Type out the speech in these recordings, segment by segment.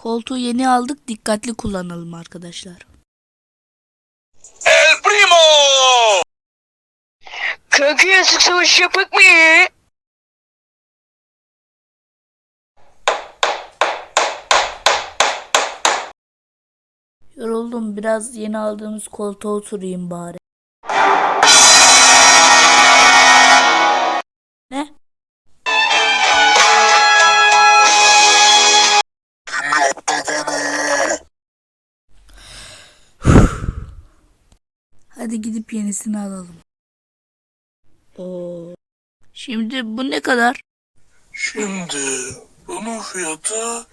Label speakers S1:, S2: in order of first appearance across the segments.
S1: Koltuğu yeni aldık, dikkatli kullanalım arkadaşlar.
S2: El Primo!
S3: Kanka sık savaş yapak mı?
S1: Yoruldum, biraz yeni aldığımız koltuğa oturayım bari. Ne? Hadi gidip yenisini alalım. Oo. Şimdi bu ne kadar?
S2: Şimdi bunun fiyatı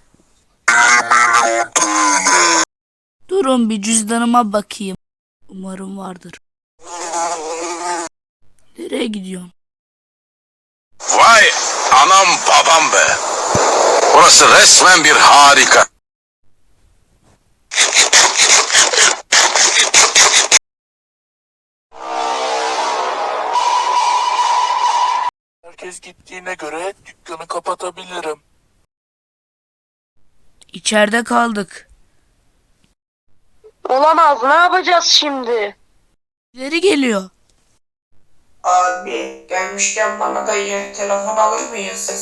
S1: Durun bir cüzdanıma bakayım. Umarım vardır. Nereye gidiyorsun?
S2: vay anam babam be. Burası resmen bir harika. Herkes gittiğine göre dükkanı kapatabilirim.
S1: İçeride kaldık.
S3: Olamaz, ne yapacağız şimdi?
S1: İleri geliyor.
S4: Abi gelmişken bana da yeni telefon alır mıyız?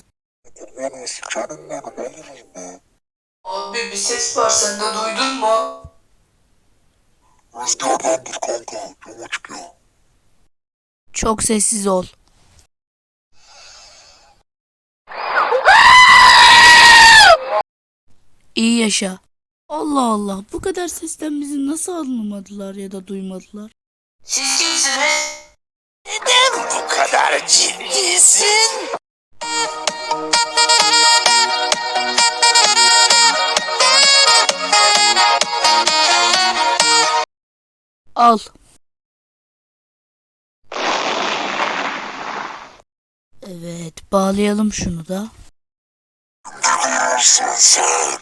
S4: Abi bir ses var, sen de duydun mu?
S2: Rüzgardandır kanka. Cama çıkıyor.
S1: Çok sessiz ol. İyi yaşa. Allah Allah, bu kadar sesten bizi nasıl anlamadılar ya da duymadılar?
S4: Siz kimsiniz?
S2: Bu kadar ciddisin.
S1: Al. Evet, bağlayalım şunu da.
S2: Duyuyorsun sen.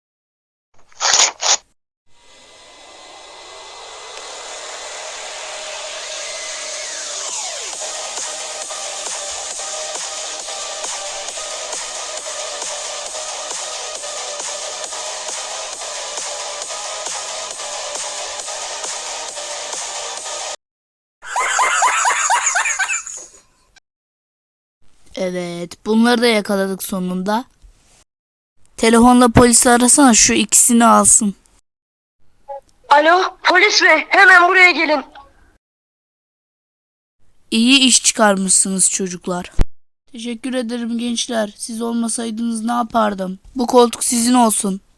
S1: Evet, bunları da yakaladık sonunda. Telefonla polisi arasana, şu ikisini alsın.
S3: Alo, polis bey, hemen buraya gelin.
S1: İyi iş çıkarmışsınız çocuklar. Teşekkür ederim gençler. Siz olmasaydınız ne yapardım? Bu koltuk sizin olsun.